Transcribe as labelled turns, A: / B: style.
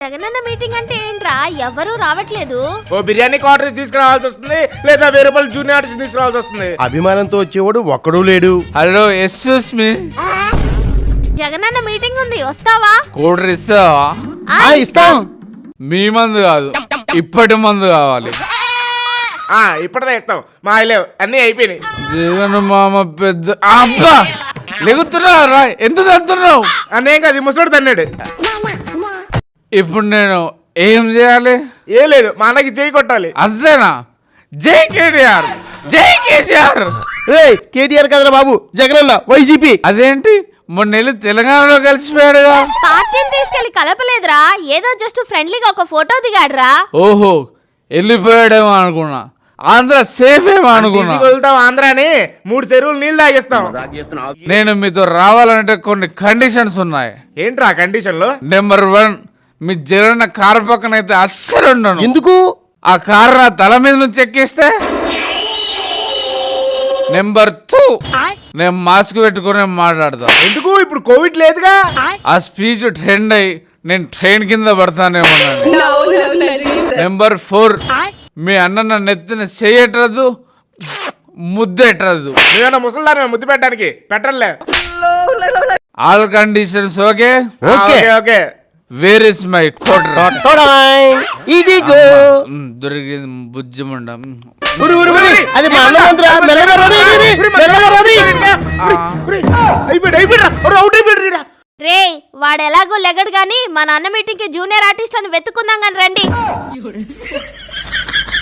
A: Jagananna meeting అంటే ఏంట్రా? ఎవరు రావట్లేదు.
B: ఓ బిర్యానీ ఆర్డర్ తీసుకురావాల్సి వస్తుంది, లేదా 1000 రూపాయలు జూనియర్ ఆర్టిస్ట్ తీసుకురావాల్సి వస్తుంది.
C: అభిమానంతో వచ్చేవాడు ఒక్కడూ లేడు.
D: హలో ఎక్స్క్యూస్ మీ,
A: జగనన్న మీటింగ్ ఉంది, వస్తావా?
D: కూడర్ ఇస్తావా?
C: ఇస్తాం.
D: మీ మందు కాదు, ఇప్పటి మందు కావాలి.
B: ఇప్పటిదే ఇస్తాం. మా లేవు, అన్ని అయిపోయినాయి.
D: జగన్ మామ పెద్ద అబ్బా లెగుతున్నారా? ఎంత చదువుతున్నావు?
B: అన్నేం కాదు, ముసడు తన్నాడు.
D: ఇప్పుడు నేను ఏం చేయాలి?
B: ఏం లేదు, మా అన్నకి చేయి కొట్టాలి.
D: అంతేనా? జై కేటీఆర్, జై కేసీఆర్.
C: కేటీఆర్ కదరా బాబు, జగనన్న వైసీపీ.
D: అదేంటి మొన్న వెళ్ళి తెలంగాణలో కలిసిపోయాడుగా?
A: పార్టీని తీసుకెళ్లి కలపలేదురా, ఏదో జస్ట్ ఫ్రెండ్లీగా ఒక ఫోటో దిగాడురా.
D: ఓహో, వెళ్ళిపోయాడేమో అనుకున్నా. ఆంధ్ర సేఫ్ ఏమో అనుకున్నా.
B: వెళ్తాం ఆంధ్ర అని 3 చెరువులు నీళ్ళు తాగిస్తాం.
D: నేను మీతో రావాలంటే కొన్ని కండిషన్స్ ఉన్నాయి.
B: ఏంట్రా కండిషన్లు?
D: నెంబర్ 1, మీ జగన్ కారు పక్కన అయితే అస్సలు ఉండను.
C: ఎందుకు?
D: ఆ కారు నా తల మీద నుంచి ఎక్కిస్తే. నెంబర్ 2, నేను మాస్క్ పెట్టుకుని మాట్లాడతా.
B: ఎందుకు? ఇప్పుడు కోవిడ్ లేదుగా.
D: ఆ స్పీచ్ ట్రెండ్ అయ్యి నేను ట్రైన్ కింద పడతానేమో. నెంబర్ 4, మీ అన్న నన్ను ఎత్తిన చెయ్యట్రదు, ముద్దెట్టదు.
B: నువ్వేనా ముసలిదాన్ని ముద్దు పెట్టడానికి? పెట్టలే.
D: All conditions okay?
C: Okay
B: okay.
D: Where is my quarter?
C: ఇదిగో
D: దొరికింది బుజ్జిమండ.
C: అది మా అన్న మంత్రా. మెల్లగా రండి, మెల్లగా రండి.
A: రే, వాడు ఎలాగో లెగడు గాని మన అన్న మీటింగ్ కి జూనియర్ ఆర్టిస్ట్ అని వెతుకుందాం గాని రండి.